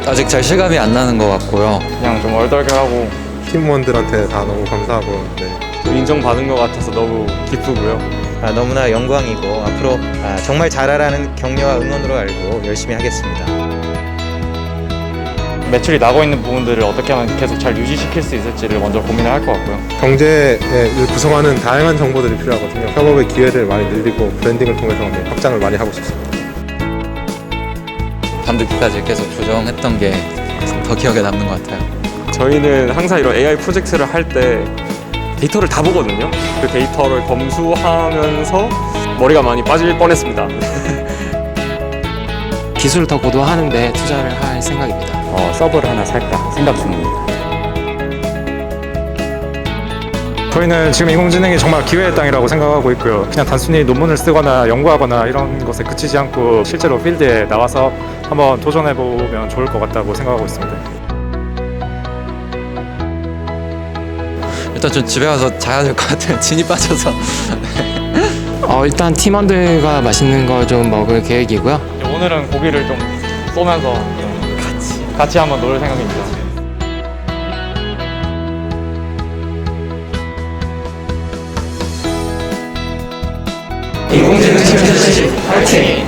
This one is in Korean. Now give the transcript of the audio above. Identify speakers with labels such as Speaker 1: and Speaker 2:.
Speaker 1: 아직 잘 실감이 안 나는 것 같고요.
Speaker 2: 그냥 좀 얼떨결하고
Speaker 3: 팀원들한테 다 너무 감사하고
Speaker 2: 좀 인정받은 것 같아서 너무 기쁘고요.
Speaker 4: 너무나 영광이고 앞으로 정말 잘하라는 격려와 응원으로 알고 열심히 하겠습니다.
Speaker 2: 매출이 나고 있는 부분들을 어떻게 하면 계속 잘 유지시킬 수 있을지를 먼저 고민을 할 것 같고요.
Speaker 3: 경제를 구성하는 다양한 정보들이 필요하거든요. 협업의 기회를 많이 늘리고 브랜딩을 통해서 확장을 많이 하고 싶습니다.
Speaker 1: 밤늦게까지 계속 조정했던 게 더 기억에 남는 것 같아요.
Speaker 5: 저희는 항상 이런 AI 프로젝트를 할 때 데이터를 다 보거든요. 그 데이터를 검수하면서 머리가 많이 빠질 뻔했습니다.
Speaker 6: 기술을 더 고도화하는데 투자를 할 생각입니다.
Speaker 7: 서버를 하나 살까 생각 중입니다.
Speaker 8: 저희는 지금 인공지능이 정말 기회의 땅이라고 생각하고 있고요. 그냥 단순히 논문을 쓰거나 연구하거나 이런 것에 그치지 않고 실제로 필드에 나와서 한번 도전해보면 좋을 것 같다고 생각하고 있습니다.
Speaker 1: 일단 좀 집에 가서 자야 될 것 같아요. 진이 빠져서.
Speaker 6: 일단 팀원들과 맛있는 걸 좀 먹을 계획이고요.
Speaker 2: 오늘은 고기를 좀 쏘면서 좀 같이 한번 놀 생각입니다.
Speaker 6: 인공지능 팀 파이팅!